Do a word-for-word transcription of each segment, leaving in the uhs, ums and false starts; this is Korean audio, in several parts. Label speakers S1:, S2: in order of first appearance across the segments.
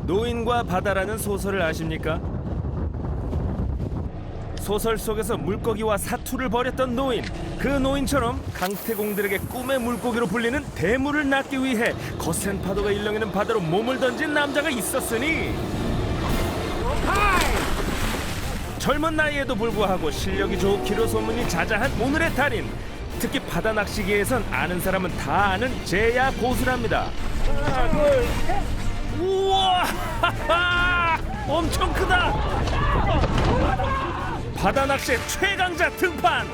S1: 노인과 바다라는 소설을 아십니까? 소설 속에서 물고기와 사투를 벌였던 노인, 그 노인처럼 강태공들에게 꿈의 물고기로 불리는 대물을 낳기 위해 거센 파도가 일렁이는 바다로 몸을 던진 남자가 있었으니 젊은 나이에도 불구하고 실력이 좋기로 소문이 자자한 오늘의 달인, 특히 바다 낚시계에선 아는 사람은 다 아는 제야 고수랍니다. 하나, 둘, 셋. 우와! 엄청 크다! 바다 낚시의 최강자 등판!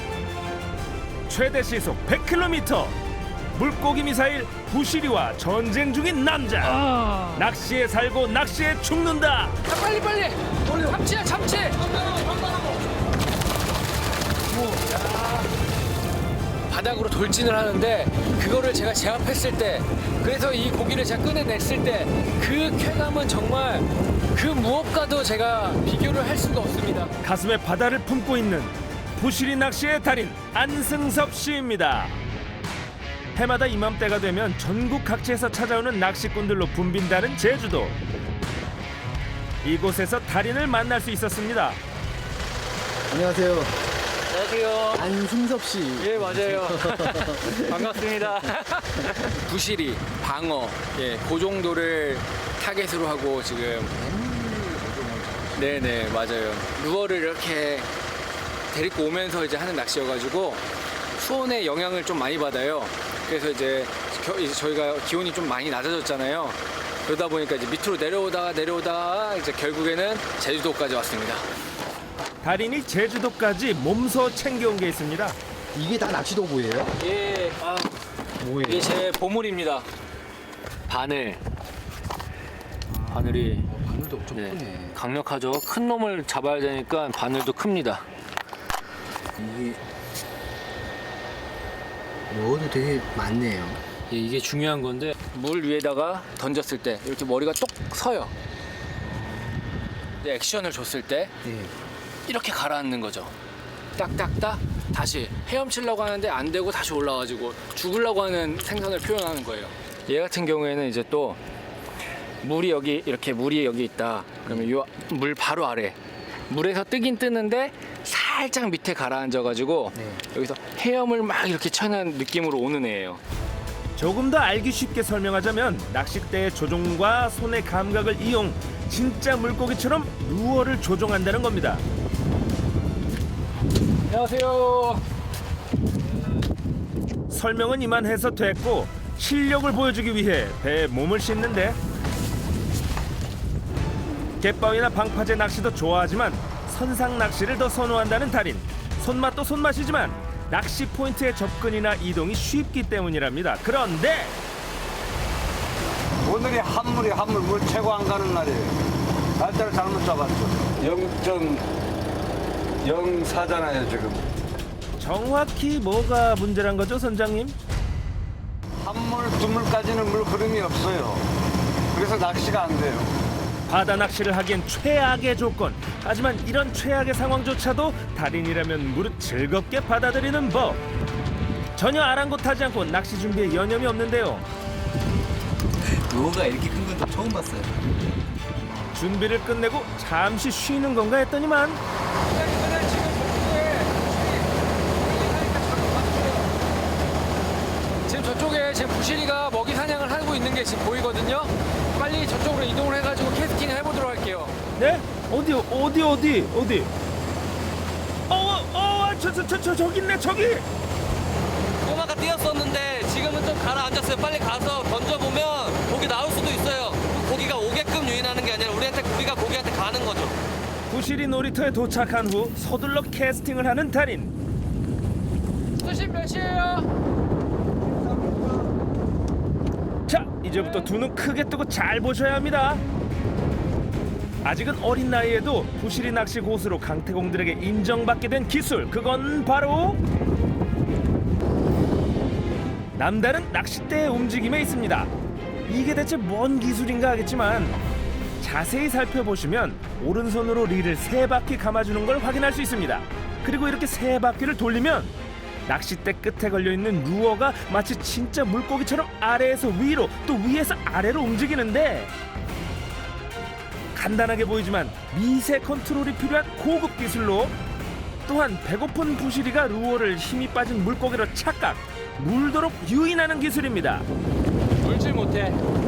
S1: 최대 시속 백 킬로미터! 물고기 미사일 부시리와 전쟁 중인 남자!
S2: 아.
S1: 낚시에 살고 낚시에 죽는다!
S2: 자, 빨리 빨리. 참치야 참치. 바닥으로 돌진을 하는데 그거를 제가 제압했을 때, 그래서 이 고기를 제가 꺼내냈을 때 그 쾌감은 정말 그 무엇과도 제가 비교를 할 수가 없습니다.
S1: 가슴에 바다를 품고 있는 부시리 낚시의 달인 안승섭 씨입니다. 해마다 이맘때가 되면 전국 각지에서 찾아오는 낚시꾼들로 붐빈다는 제주도. 이곳에서 달인을 만날 수 있었습니다.
S3: 안녕하세요.
S2: 안녕하세요.
S3: 안승섭 씨.
S2: 예, 맞아요. 반갑습니다. 부시리, 방어, 예, 그 정도를 타겟으로 하고 지금. 네네, 맞아요. 루어를 이렇게 데리고 오면서 이제 하는 낚시여가지고 수온의 영향을 좀 많이 받아요. 그래서 이제, 겨, 이제 저희가 기온이 좀 많이 낮아졌잖아요. 그러다 보니까 이제 밑으로 내려오다가 내려오다가 이제 결국에는 제주도까지 왔습니다.
S1: 달인이 제주도까지 몸소 챙겨온 게 있습니다.
S3: 이게 다 낚시도구예요?
S2: 예, 아,
S3: 뭐예요?
S2: 이게 제 보물입니다. 바늘. 바늘이
S3: 바늘도 엄청
S2: 네,
S3: 크네.
S2: 강력하죠. 큰 놈을 잡아야 되니까 바늘도 큽니다.
S3: 이게 여도 되게 많네요.
S2: 예, 이게 중요한 건데 물 위에다가 던졌을 때 이렇게 머리가 똑 서요. 이제 액션을 줬을 때
S3: 네.
S2: 이렇게 가라앉는 거죠. 딱딱딱 다시 헤엄치려고 하는데 안 되고 다시 올라와가지고 죽으려고 하는 생선을 표현하는 거예요. 얘 같은 경우에는 이제 또 물이 여기 이렇게 물이 여기 있다. 그러면 요 물 바로 아래 물에서 뜨긴 뜨는데 살짝 밑에 가라앉아가지고
S3: 네.
S2: 여기서 헤엄을 막 이렇게 쳐는 느낌으로 오는 애예요.
S1: 조금 더 알기 쉽게 설명하자면 낚싯대의 조종과 손의 감각을 이용 진짜 물고기처럼 루어를 조종한다는 겁니다.
S2: 안녕하세요.
S1: 설명은 이만해서 됐고 실력을 보여주기 위해 배에 몸을 싣는데 갯바위나 방파제 낚시도 좋아하지만 선상 낚시를 더 선호한다는 달인. 손맛도 손맛이지만 낚시 포인트의 접근이나 이동이 쉽기 때문이랍니다. 그런데
S4: 오늘이 한물이 한물 물 최고 안 가는 날이에요. 날짜를 잘못 잡았죠. 영 점 영사잖아요 지금.
S1: 정확히 뭐가 문제란 거죠, 선장님?
S4: 한물 두물까지는 물 흐름이 없어요. 그래서 낚시가 안 돼요.
S1: 바다 낚시를 하기엔 최악의 조건. 하지만 이런 최악의 상황조차도 달인이라면 무릇 즐겁게 받아들이는 법. 전혀 아랑곳하지 않고 낚시 준비에 여념이 없는데요.
S3: 루어가 이렇게 큰 건 처음 봤어요.
S1: 준비를 끝내고 잠시 쉬는 건가 했더니만
S2: 지금 저쪽에 지금 부시리가 먹이 사냥을 하고 있는 게 지금 보이거든요. 빨리 저쪽으로 이동을 해가지고 캐스팅을 해보도록 할게요.
S1: 네? 어디 어디 어디 어디? 어어저저 저 저 저기 있네 저기.
S5: 꼬마가 뛰었었는데 지금은 좀 가라앉았어요. 빨리 가서 던져보면 고기 나올 수도 있어요. 고기가 오게끔 유인하는 게 아니라 우리한테 고기가 고기한테 가는 거죠.
S1: 부시리 놀이터에 도착한 후 서둘러 캐스팅을 하는 달인.
S2: 수심 몇이에요?
S1: 자, 이제부터 두 눈 크게 뜨고 잘 보셔야 합니다. 아직은 어린 나이에도 부시리 낚시 고수로 강태공들에게 인정받게 된 기술, 그건 바로 남다른 낚싯대의 움직임에 있습니다. 이게 대체 뭔 기술인가 하겠지만 자세히 살펴보시면 오른손으로 릴을 세 바퀴 감아주는 걸 확인할 수 있습니다. 그리고 이렇게 세 바퀴를 돌리면 낚싯대 끝에 걸려있는 루어가 마치 진짜 물고기처럼 아래에서 위로 또 위에서 아래로 움직이는데 간단하게 보이지만 미세 컨트롤이 필요한 고급 기술로, 또한 배고픈 부시리가 루어를 힘이 빠진 물고기로 착각, 물도록 유인하는 기술입니다.
S2: 물질 못해.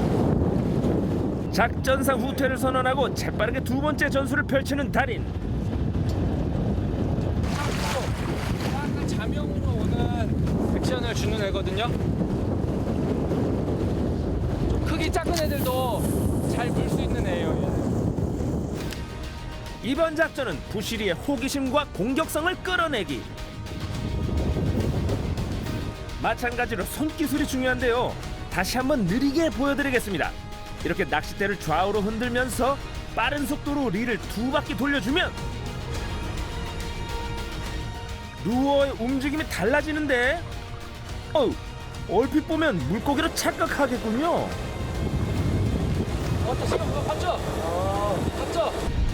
S1: 작전상 후퇴를 선언하고 재빠르게 두 번째 전술을 펼치는 달인.
S2: 약간 자명으로 오는 액션을 주는 애거든요. 좀 크기 작은 애들도 잘 물 수 있는 애예요. 얘는.
S1: 이번 작전은 부시리의 호기심과 공격성을 끌어내기. 마찬가지로 손기술이 중요한데요. 다시 한번 느리게 보여드리겠습니다. 이렇게 낚싯대를 좌우로 흔들면서 빠른 속도로 릴을 두 바퀴 돌려주면 루어의 움직임이 달라지는데, 어우, 얼핏 보면 물고기로 착각하겠군요.
S2: 어때 지금 그거 봤죠? 봤죠?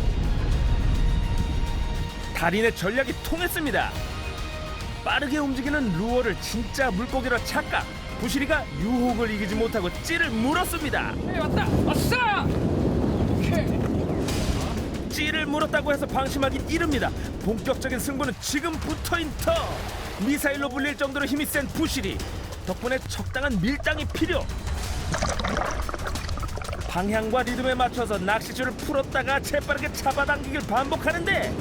S1: 달인의 전략이 통했습니다. 빠르게 움직이는 루어를 진짜 물고기로 착각. 부시리가 유혹을 이기지 못하고 찌를 물었습니다.
S2: 네 왔다. 왔어. 오케이.
S1: 찌를 물었다고 해서 방심하긴 이릅니다. 본격적인 승부는 지금부터인 터. 미사일로 불릴 정도로 힘이 센 부시리. 덕분에 적당한 밀당이 필요. 방향과 리듬에 맞춰서 낚시줄을 풀었다가 재빠르게 잡아당기길 반복하는데,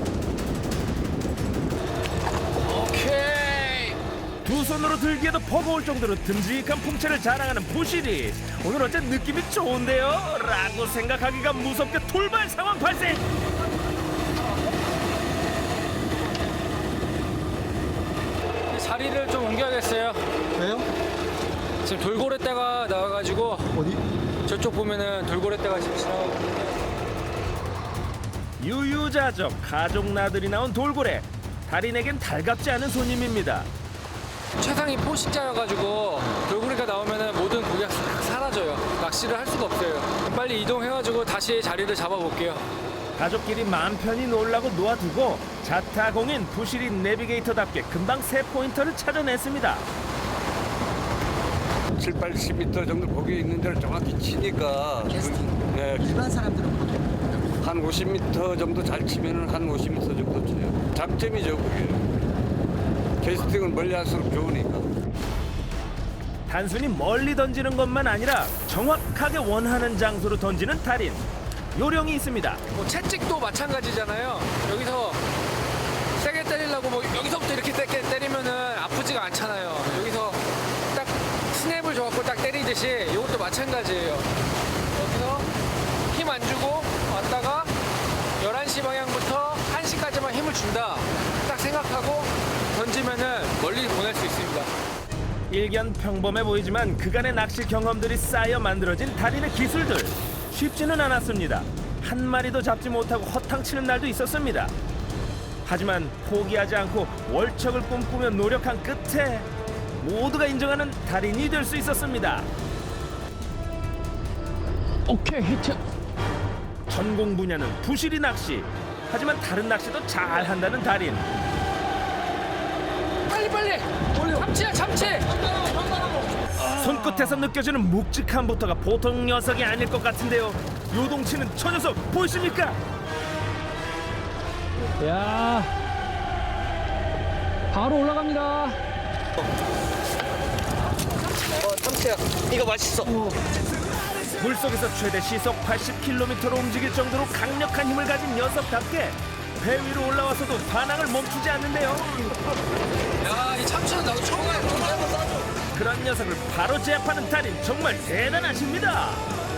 S2: 오케이.
S1: 두 손으로 들기에도 버거울 정도로 듬직한 풍채를 자랑하는 부시리. 오늘 어째 느낌이 좋은데요? 라고 생각하기가 무섭게 돌발 상황 발생.
S2: 자리를 좀 옮겨야겠어요.
S3: 왜요?
S2: 지금 돌고래떼가 나와가지고
S3: 어디?
S2: 저쪽 보면은 돌고래떼가 지금 지나가고 있는데
S1: 유유자적 가족 나들이 나온 돌고래. 달인에겐 달갑지 않은 손님입니다.
S2: 최상위 포식자여가지고 돌고래가 나오면은 모든 고기가 싹 사라져요. 낚시를 할 수가 없어요. 빨리 이동해가지고 다시 자리를 잡아볼게요.
S1: 가족끼리 마음 편히 놀라고 놓아두고 자타공인 부시리 내비게이터답게 금방 세 포인터를 찾아냈습니다.
S4: 칠, 팔십 미터 정도 거기 있는 데를 정확히 치니까
S3: 캐스팅.
S4: 네,
S3: 일반 사람들은 보통
S4: 한 오십 미터 정도 잘 치면은 한 오십 미터 정도 쳐요. 장점이죠, 그게. 캐스팅은 멀리 할수록 좋으니까.
S1: 단순히 멀리 던지는 것만 아니라 정확하게 원하는 장소로 던지는 달인. 요령이 있습니다.
S2: 뭐 채찍도 마찬가지잖아요. 여기서 세게 때리려고 뭐 여기서부터 이렇게 세게 때리면은 아프지가 않잖아요. 여기서 딱 스냅을 줘갖고 딱 때리듯이 이것도 마찬가지예요. 여기서 힘 안 주고 왔다가 열한 시 방향부터 한 시까지만 힘을 준다. 딱 생각하고 던지면은 멀리 보낼 수 있습니다.
S1: 일견 평범해 보이지만 그간의 낚시 경험들이 쌓여 만들어진 달인의 기술들. 쉽지는 않았습니다. 한 마리도 잡지 못하고 허탕치는 날도 있었습니다. 하지만 포기하지 않고 월척을 꿈꾸며 노력한 끝에 모두가 인정하는 달인이 될 수 있었습니다.
S2: 오케이 히트.
S1: 전공 분야는 부시리 낚시. 하지만 다른 낚시도 잘 한다는 달인.
S2: 빨리 빨리. 참치야 참치.
S1: 손끝에서 느껴지는 묵직함부터가 보통 녀석이 아닐 것 같은데요. 요동치는 저 녀석 보이십니까?
S2: 야. 바로 올라갑니다.
S5: 어, 참치야. 이거 맛있어.
S1: 물속에서 최대 시속 팔십 킬로미터로 움직일 정도로 강력한 힘을 가진 녀석답게 배 위로 올라와서도 반항을 멈추지 않는데요.
S2: 야, 이 참치는 나도 처음 해보는데.
S1: 그런 녀석을 바로 제압하는 달인 정말 대단하십니다.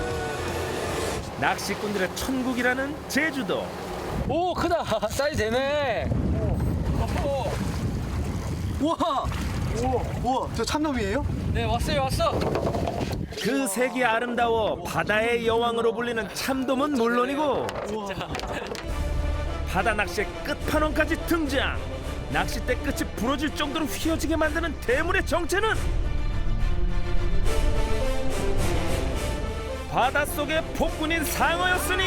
S1: 낚시꾼들의 천국이라는 제주도.
S2: 오, 크다. 사이즈 되네.
S3: 우와! 우와! 우와! 저 참돔이에요?
S2: 네, 왔어요, 왔어.
S1: 그 색이 아름다워 바다의 여왕으로 불리는 참돔은 물론이고 바다 낚시의 끝판왕까지 등장. 낚싯대 끝이 부러질 정도로 휘어지게 만드는 대물의 정체는 바닷속의 폭군인 상어였으니.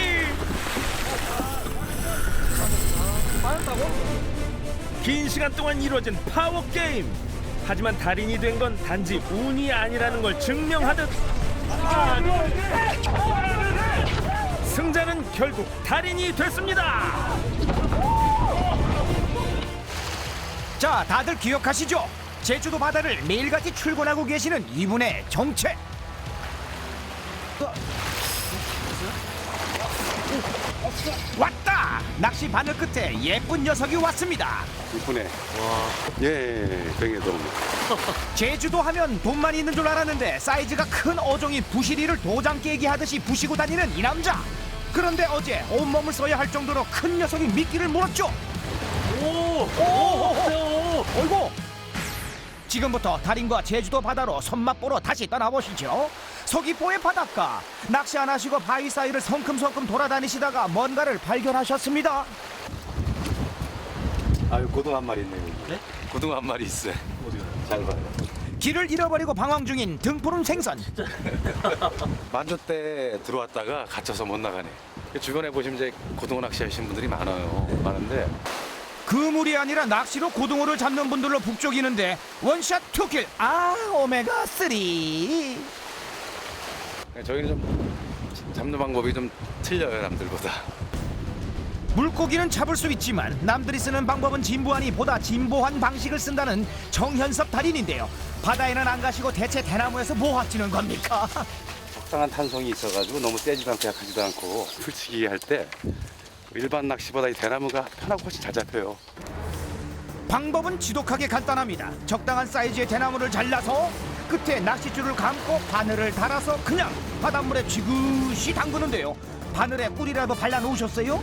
S1: 긴 시간 동안 이루어진 파워 게임. 하지만 달인이 된 건 단지 운이 아니라는 걸 증명하듯 승자는 결국 달인이 됐습니다.
S6: 자, 다들 기억하시죠? 제주도 바다를 매일같이 출근하고 계시는 이분의 정체. 왔다! 낚시 바늘 끝에 예쁜 녀석이 왔습니다.
S7: 이쁘네. 예, 예, 예, 병해돔.
S6: 제주도 하면 돈만 있는 줄 알았는데 사이즈가 큰 어종인 부시리를 도장 깨기 하듯이 부시고 다니는 이 남자. 그런데 어제 온몸을 써야 할 정도로 큰 녀석이 미끼를 물었죠. 오, 오, 오, 어이구. 지금부터 달인과 제주도 바다로 손맛 보러 다시 떠나보시죠. 서귀포의 바닷가, 낚시 안 하시고 바위 사이를 성큼성큼 돌아다니시다가 뭔가를 발견하셨습니다.
S7: 아유, 고등 한 마리 있네, 여기. 네? 고등 한 마리 있어요. 어디가? 잘 봐요.
S6: 길을 잃어버리고 방황 중인 등푸른 생선.
S7: 만조 때 들어왔다가 갇혀서 못 나가네. 주변에 보시면 이제 고등어 낚시 하시는 분들이 많아요. 많은데.
S6: 그물이 아니라 낚시로 고등어를 잡는 분들로 북적이는데 원샷 투킬. 아, 오메가 쓰리.
S7: 저희는 좀 잡는 방법이 좀 틀려요, 남들보다.
S6: 물고기는 잡을 수 있지만 남들이 쓰는 방법은 진부하니 보다 진보한 방식을 쓴다는 정현섭 달인인데요. 바다에는 안 가시고 대체 대나무에서 뭐 하시는 겁니까?
S7: 적당한 탄성이 있어가지고 너무 세지도 않고 약하지도 않고 풀치기 할 때 일반 낚시보다 이 대나무가 편하고 훨씬 잘 잡혀요.
S6: 방법은 지독하게 간단합니다. 적당한 사이즈의 대나무를 잘라서 끝에 낚싯줄을 감고 바늘을 달아서 그냥 바닷물에 지그시 담그는데요. 바늘에 꿀이라도 발라놓으셨어요?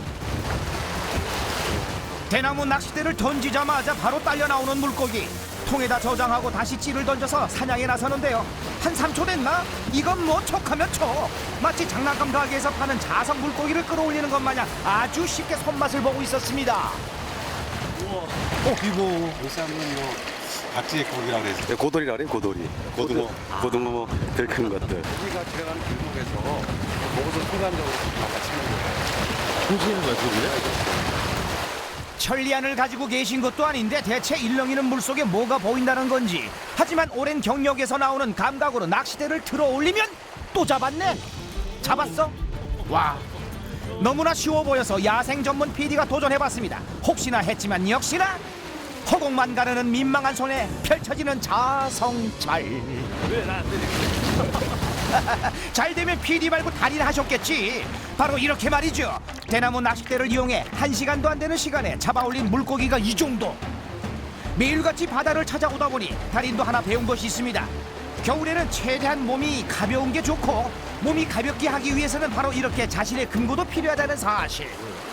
S6: 대나무 낚싯대를 던지자마자 바로 딸려 나오는 물고기. 통에다 저장하고 다시 찌를 던져서 사냥에 나서는데요. 한 삼 초 됐나? 이건 뭐 척하면 척. 마치 장난감 가게에서 파는 자석 물고기를 끌어올리는 것 마냥 아주 쉽게 손맛을 보고 있었습니다. 우와. 어, 이거.
S7: 요새는 뭐 박쥐의 고기라고 그래서 네, 고돌이라고 그래요, 고돌이. 고등어, 고등어 덜 큰 것들. 고기가 들어가는 길목에서 먹어서 순간적으로 바깥치는 거예요.
S1: 보시는 거야, 그게?
S6: 천리안을 가지고 계신 것도 아닌데 대체 일렁이는 물속에 뭐가 보인다는 건지. 하지만 오랜 경력에서 나오는 감각으로 낚싯대를 들어 올리면 또 잡았네. 잡았어? 와, 너무나 쉬워 보여서 야생 전문 피디가 도전해봤습니다. 혹시나 했지만 역시나 허공만 가르는 민망한 손에 펼쳐지는 자성찰.
S1: 왜 나 안 되지?
S6: 잘 되면 피디 말고 달인 하셨겠지. 바로 이렇게 말이죠. 대나무 낚싯대를 이용해 한 시간도 안 되는 시간에 잡아올린 물고기가 이 정도. 매일같이 바다를 찾아오다 보니 달인도 하나 배운 것이 있습니다. 겨울에는 최대한 몸이 가벼운 게 좋고 몸이 가볍게 하기 위해서는 바로 이렇게 자신의 근거도 필요하다는 사실.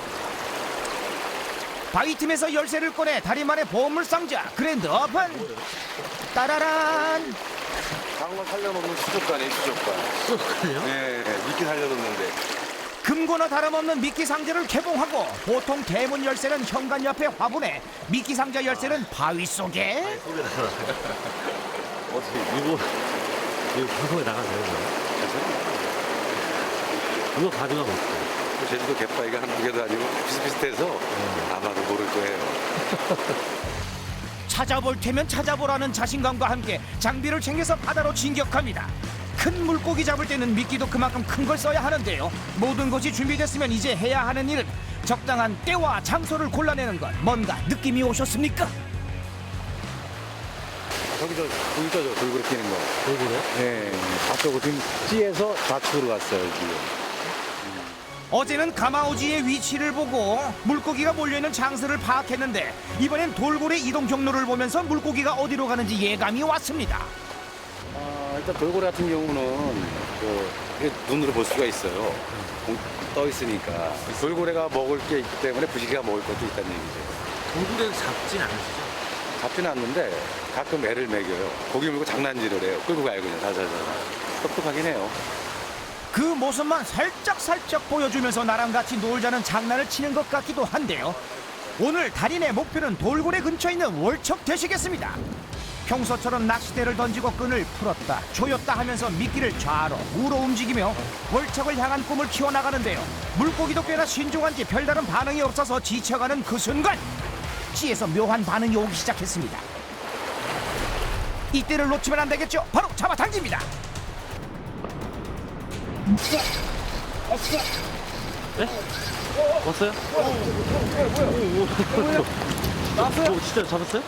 S6: 바위 틈에서 열쇠를 꺼내 달인만의 보물 상자 그랜드 오픈. 따라란.
S7: 강어 살려놓는 수족관이에요, 수족관. 수족관이요? 네, 미끼 살려놓는데.
S6: 금고나 다름없는 미끼 상자를 개봉하고 보통 대문 열쇠는 현관 옆에 화분에 미끼 상자 열쇠는 바위 속에.
S8: 어떻게 이거 이거 방송에 나가세요? 이거 가져가면 어떡해?
S7: 제주도 갯바위가 한두 개도 아니고 비슷비슷해서 아마도 모를 거예요.
S6: 찾아볼 테면 찾아보라는 자신감과 함께 장비를 챙겨서 바다로 진격합니다. 큰 물고기 잡을 때는 미끼도 그만큼 큰 걸 써야 하는데요. 모든 것이 준비됐으면 이제 해야 하는 일은 적당한 때와 장소를 골라내는 것. 뭔가 느낌이 오셨습니까?
S7: 저기서 보이죠, 저 돌고래 끼는 거.
S8: 돌고래?
S7: 네, 앞쪽으로 지금 찌에서 좌측으로 갔어요, 지금.
S6: 어제는 가마오지의 위치를 보고 물고기가 몰려있는 장소를 파악했는데 이번엔 돌고래 이동 경로를 보면서 물고기가 어디로 가는지 예감이 왔습니다.
S7: 아, 일단 돌고래 같은 경우는 그 이게 눈으로 볼 수가 있어요. 공- 떠 있으니까. 돌고래가 먹을 게 있기 때문에 부시기가 먹을 것도 있다는 얘기죠.
S8: 돌고래는 잡진 않으시죠?
S7: 잡지는 않는데 가끔 애를 먹여요. 고기 물고 장난질을 해요. 끌고 가요, 그냥 자자자. 똑똑하긴 해요.
S6: 그 모습만 살짝살짝 보여주면서 나랑 같이 놀자는 장난을 치는 것 같기도 한데요. 오늘 달인의 목표는 돌고래 근처에 있는 월척 되시겠습니다. 평소처럼 낚싯대를 던지고 끈을 풀었다 조였다 하면서 미끼를 좌로 우로 움직이며 월척을 향한 꿈을 키워나가는데요. 물고기도 꽤나 신중한지 별다른 반응이 없어서 지쳐가는 그 순간 찌에서 묘한 반응이 오기 시작했습니다. 이때를 놓치면 안 되겠죠. 바로 잡아당깁니다.
S8: 왔어요? 나왔어요? 오, 진짜 잡았어요?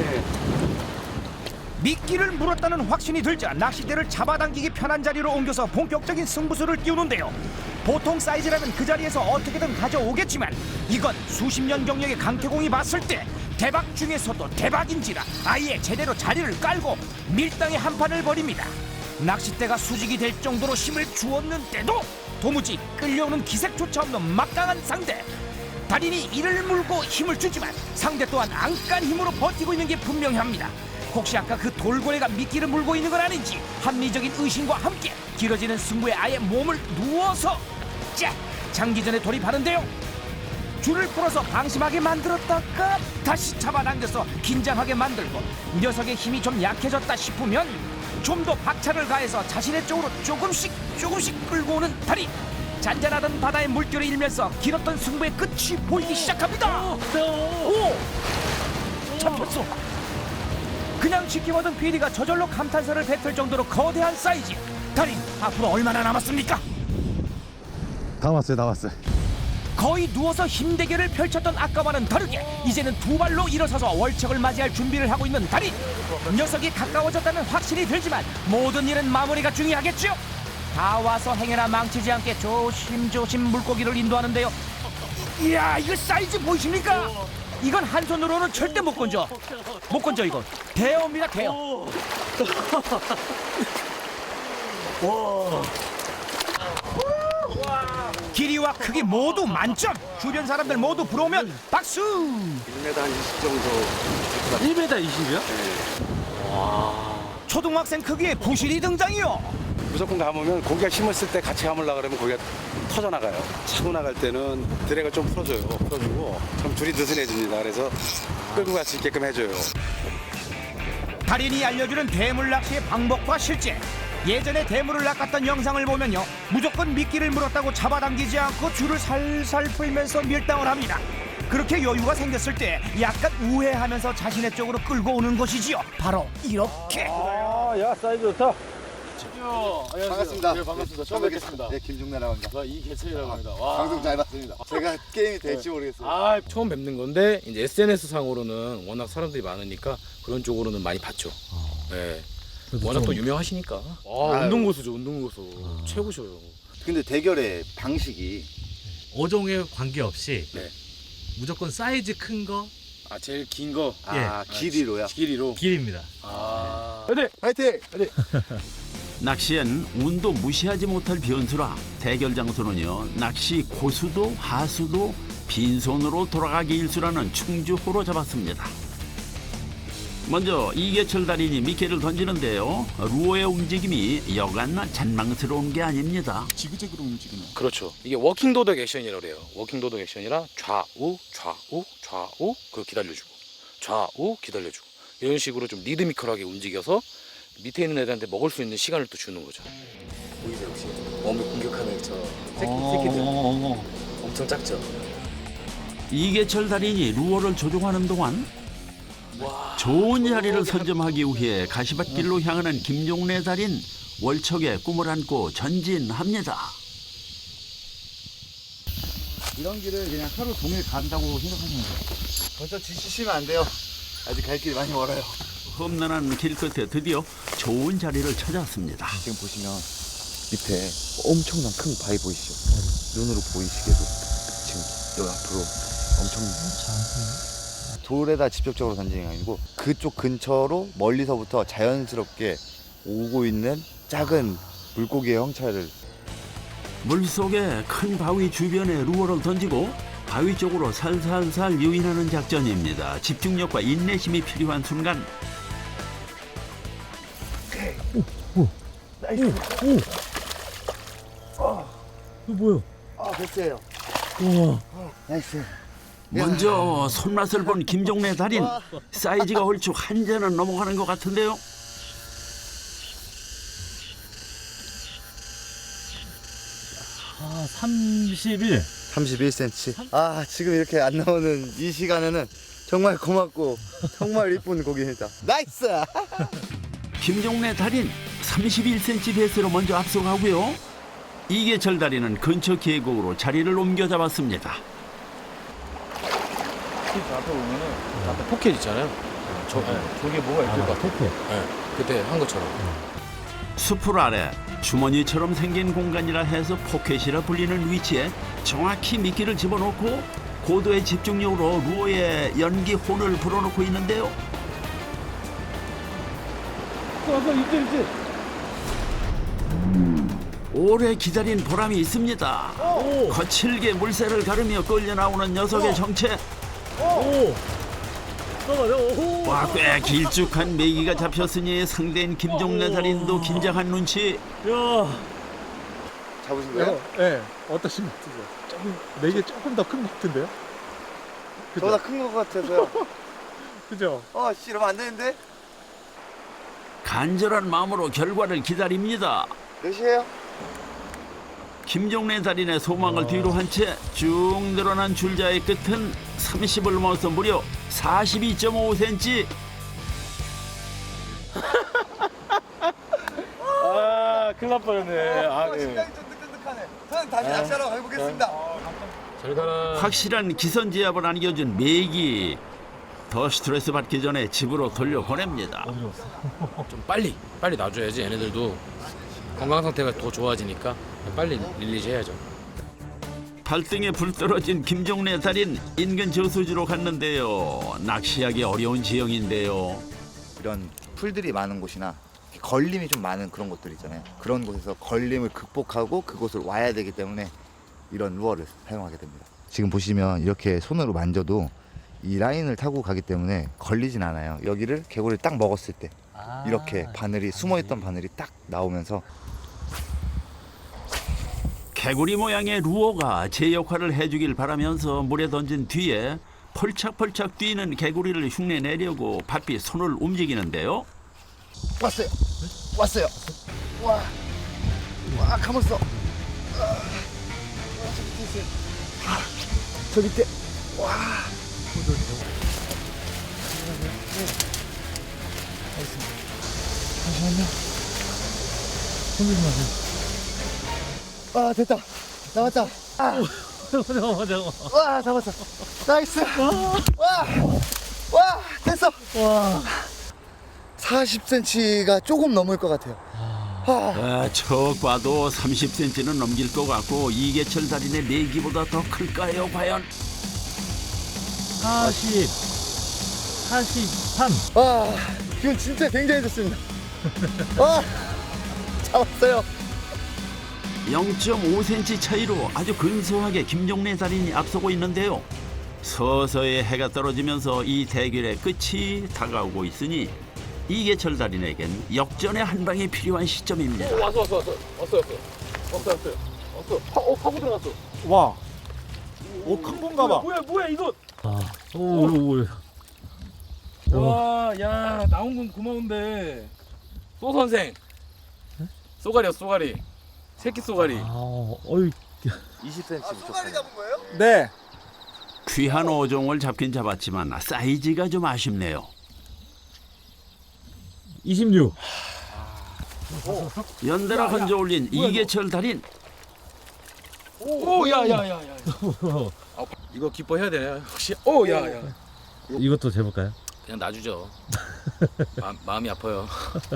S6: 미끼를 물었다는 확신이 들자 낚싯대를 잡아당기기 편한 자리로 옮겨서 본격적인 승부수를 띄우는데요. 보통 사이즈라면 그 자리에서 어떻게든 가져오겠지만 이건 수십 년 경력의 강태공이 봤을 때 대박 중에서도 대박인지라 아예 제대로 자리를 깔고 밀당의 한판을 벌입니다. 낚싯대가 수직이 될 정도로 힘을 주었는데도 도무지 끌려오는 기색조차 없는 막강한 상대. 달인이 이를 물고 힘을 주지만 상대 또한 안간 힘으로 버티고 있는 게 분명합니다. 혹시 아까 그 돌고래가 미끼를 물고 있는 건 아닌지 합리적인 의심과 함께 길어지는 승부에 아예 몸을 누워서 자 장기전에 돌입하는데요. 줄을 풀어서 방심하게 만들었다가 다시 잡아당겨서 긴장하게 만들고 녀석의 힘이 좀 약해졌다 싶으면 좀 더 박차를 가해서 자신의 쪽으로 조금씩 조금씩 끌고 오는 달인. 잔잔하던 바다의 물결을 일면서 길었던 승부의 끝이 보이기 시작합니다. 오! 잡혔어. 그냥 지켜보던 피디가 저절로 감탄사를 뱉을 정도로 거대한 사이즈. 달인, 앞으로 얼마나 남았습니까?
S7: 다 왔어요, 다 왔어요.
S6: 거의 누워서 힘대결을 펼쳤던 아까와는 다르게 이제는 두 발로 일어서서 월척을 맞이할 준비를 하고 있는 달인. 녀석이 가까워졌다는 확신이 들지만 모든 일은 마무리가 중요하겠죠. 다 와서 행여나 망치지 않게 조심조심 물고기를 인도하는데요. 이야, 이거 사이즈 보이십니까? 이건 한 손으로는 절대 못 건져. 못 건져 이거. 대어입니다, 대어. 길이와 크기 모두 만점. 주변 사람들 모두 부러우면 박수.
S7: 일 미터 한 이십 정도.
S8: 일 미터 이십이요?
S6: 초등학생 크기의 부실이 등장이요.
S7: 무조건 감으면 고기가 힘을 쓸 때 같이 감으려고 그러면 고기가 터져 나가요. 차고 나갈 때는 드랙을 좀 풀어줘요. 풀어주고 그럼 줄이 느슨해집니다. 그래서 끌고 갈 수 있게끔 해줘요.
S6: 달인이 알려주는 대물 낚시의 방법과 실제. 예전에 대물을 낚았던 영상을 보면요, 무조건 미끼를 물었다고 잡아당기지 않고 줄을 살살 풀면서 밀당을 합니다. 그렇게 여유가 생겼을 때 약간 우회하면서 자신의 쪽으로 끌고 오는 것이지요. 바로 이렇게.
S8: 야, 사이즈 좋다.
S3: 반갑습니다. 네, 반갑습니다. 처음 뵙겠습니다. 네, 김종래라고 합니다.
S8: 이계철이라고 합니다.
S3: 방송 잘 봤습니다. 제가 게임이 될지 모르겠어요.
S2: 아, 처음 뵙는 건데 이제 에스엔에스 상으로는 워낙 사람들이 많으니까 그런 쪽으로는 많이 봤죠. 네. 워낙 또 유명하시니까. 아, 운동 고수죠, 운동 고수. 최고셔요.
S3: 근데 대결의 방식이
S9: 어종에 관계없이
S2: 네.
S9: 무조건 사이즈 큰 거
S2: 아, 제일 긴 거.
S3: 아, 길이로요?
S2: 길이로.
S9: 길입니다.
S2: 아.
S3: 파이팅!
S10: 낚시엔 운도 무시하지 못할 변수라 대결 장소는요, 낚시 고수도 하수도 빈손으로 돌아가기 일수라는 충주호로 잡았습니다. 먼저 이계철 달인이 미끼를 던지는데요, 루어의 움직임이 여간 잔망스러운 게 아닙니다.
S3: 지그재그로 움직이네.
S2: 그렇죠. 이게 워킹 도덕 액션이라고 그래요. 워킹 도덕 액션이라 좌우, 좌우, 좌우, 그걸 기다려주고, 좌우, 기다려주고, 이런 식으로 좀 리드미컬하게 움직여서 밑에 있는 애들한테 먹을 수 있는 시간을 또 주는 거죠. 보이세요 혹시? 웜을 공격하는 저 새끼, 새끼들 엄청 작죠?
S10: 이계철 달인이 루어를 조종하는 동안 좋은 자리를 선점하기 위해 가시밭길로 향하는 김종래 달인, 월척에 꿈을 안고 전진합니다.
S3: 이런 길을 그냥 하루 종일 간다고 생각하시면 돼요. 벌써 지치시면 안 돼요. 아직 갈 길이 많이 멀어요.
S10: 험난한 길 끝에 드디어 좋은 자리를 찾았습니다.
S3: 지금 보시면 밑에 엄청난 큰 바위 보이시죠? 눈으로 보이시게도 지금 여기 앞으로 엄청 돌에다 직접적으로 던지는 게 아니고 그쪽 근처로 멀리서부터 자연스럽게 오고 있는 작은 물고기의 형체를
S10: 물속에 큰 바위 주변에 루어를 던지고 바위 쪽으로 살살살 유인하는 작전입니다. 집중력과 인내심이 필요한 순간.
S3: 아 됐어요.
S9: 우와.
S3: 나이스.
S10: 먼저 손맛을 본 김종래 달인, 사이즈가 얼추 한 잔은 넘어가는 것 같은데요.
S9: 아, 삼십일.
S3: 삼십일 센티미터. 아 지금 이렇게 안 나오는 이 시간에는 정말 고맙고 정말 이쁜 고기입니다. 나이스.
S10: 김종래 달인 삼십일 센티미터 배스로 먼저 앞서가고요. 이계철 달인은 근처 계곡으로 자리를 옮겨 잡았습니다.
S2: 앞에 보면은 앞에 포켓 있잖아요. 저, 네, 저게 뭐가 있을 것 같아요. 포켓. 네, 그때 한 것처럼.
S10: 수풀 아래 주머니처럼 생긴 공간이라 해서 포켓이라 불리는 위치에 정확히 미끼를 집어넣고 고도의 집중력으로 루어의 연기 혼을 불어넣고 있는데요. 오래 기다린 보람이 있습니다. 거칠게 물새를 가르며 끌려 나오는 녀석의 정체. 와, 꽤 길쭉한 메기가 잡혔으니 상대인 김종래 달인도 긴장한 눈치.
S3: 잡으신 거예요?
S8: 네. 어떠신 것 같으세요? 조금 내게 조금 더 큰 것 같은데요?
S3: 저보다 큰 것 같아서요.
S8: 그죠?
S3: 어, 씨, 이러면 안 되는데?
S10: 간절한 마음으로 결과를 기다립니다.
S3: 몇이에요?
S10: 김종래 달인의 소망을 뒤로 한 채 쭉 늘어난 줄자의 끝은 삼십을 넘어서 무려 사십이 점 오 센티미터.
S8: 아, 큰일 날 뻔했네. 아, 예.
S3: 심장이 좀 뜨끈뜨끈하네. 저는 다시 낚시하러 가보겠습니다.
S2: 잘 가라.
S10: 확실한 기선제압을 안겨준 메기. 더 스트레스 받기 전에 집으로 돌려보냅니다.
S2: 좀 빨리 빨리 놔줘야지 얘네들도 건강 상태가 더 좋아지니까 빨리 릴리즈 해야죠.
S10: 발등에 불 떨어진 김종래 달인 인근 저수지로 갔는데요. 낚시하기 어려운 지형인데요.
S3: 이런 풀들이 많은 곳이나 걸림이 좀 많은 그런 곳들 있잖아요. 그런 곳에서 걸림을 극복하고 그곳을 와야 되기 때문에 이런 루어를 사용하게 됩니다. 지금 보시면 이렇게 손으로 만져도 이 라인을 타고 가기 때문에 걸리진 않아요. 여기를 개구리를 딱 먹었을 때 이렇게 바늘이 숨어있던 바늘이 딱 나오면서
S10: 개구리 모양의 루어가 제 역할을 해주길 바라면서 물에 던진 뒤에 펄착펄착 뛰는 개구리를 흉내내려고 바삐 손을 움직이는데요.
S3: 왔어요. 왔어요. 와, 와, 감았어. 아, 저 밑에 있어요. 아, 저 밑에. 와. 잠시만요. 손들지 마세요. 아, 됐다. 나왔다. 아.
S8: 잠깐만, 잠깐만.
S3: 와, 잡았어. 나이스. 와, 와, 됐어.
S8: 와.
S3: 사십 센티미터가 조금 넘을 것 같아요. 아.
S10: 아, 척 봐도 삼십 센티미터는 넘길 것 같고 이계철 달인의 내기보다 더 클까요 과연?
S8: 사십, 사십삼.
S3: 와, 기분 진짜 굉장히 좋습니다. 와, 잡았어요.
S10: 영 점 오 센티미터 차이로 아주 근소하게 김종래 달인이 앞서고 있는데요. 서서히 해가 떨어지면서 이 대결의 끝이 다가오고 있으니 이계철 달인에겐 역전의 한 방이 필요한 시점입니다.
S2: 왔어 왔어 왔어 왔어 왔어 왔어 왔어 왔어. 파, 어 파고 들어갔어.
S8: 와. 오, 큰 건가 봐.
S2: 뭐야 뭐야 이거.
S8: 아, 오, 오, 오.
S2: 와, 야 나온 건 고마운데. 소 선생. 쏘가리야 쏘가리. 새끼 쏘가리.
S8: 아, 어이.
S3: 이십 센티미터 쏘가리 잡은 거예요?
S8: 네.
S10: 귀한 어종을 잡긴 잡았지만 사이즈가 좀 아쉽네요.
S8: 이십육.
S10: 연달아 건져 올린 이계철 달인.
S2: 오, 야, 야, 야, 야. 이거 기뻐해야 되냐? 혹시? 오, 야, 야.
S8: 이것도 재볼까요?
S2: 그냥 놔주죠. 마, 마음이 아파요.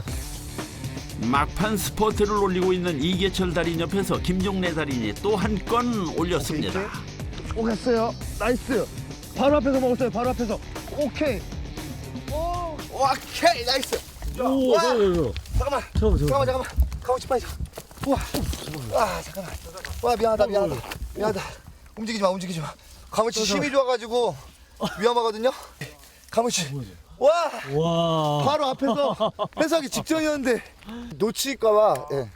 S10: 막판 스포트를 올리고 있는 이계철 달인 옆에서 김종래 달인이 또 한 건 올렸습니다.
S3: 오겠어요. 나이스. 바로 앞에서 먹었어요. 바로 앞에서. 오케이. 오, 오케이. 나이스.
S8: 오,
S3: 와.
S8: 저, 저, 저.
S3: 잠깐만.
S8: 저, 저.
S3: 잠깐만, 잠깐만. 가고 싶어. 우와. 와, 잠깐만. 와, 미안하다, 미안하다. 미안하다. 움직이지 마, 움직이지 마. 가물치 힘이 좋아가지고 위험하거든요. 가물치. 와,
S8: 와.
S3: 바로 앞에서 회수하기 직전이었는데 놓칠까봐. 예.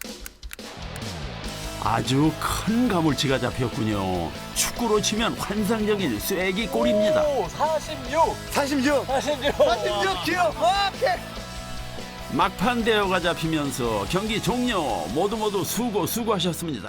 S10: 아주 큰 가물치가 잡혔군요. 축구로 치면 환상적인 쐐기 골입니다.
S2: 사십육.
S3: 사십육.
S2: 사십육.
S3: 사십육 킬로. 오케이.
S10: 막판 대여가 잡히면서 경기 종료. 모두 모두 수고 수고하셨습니다.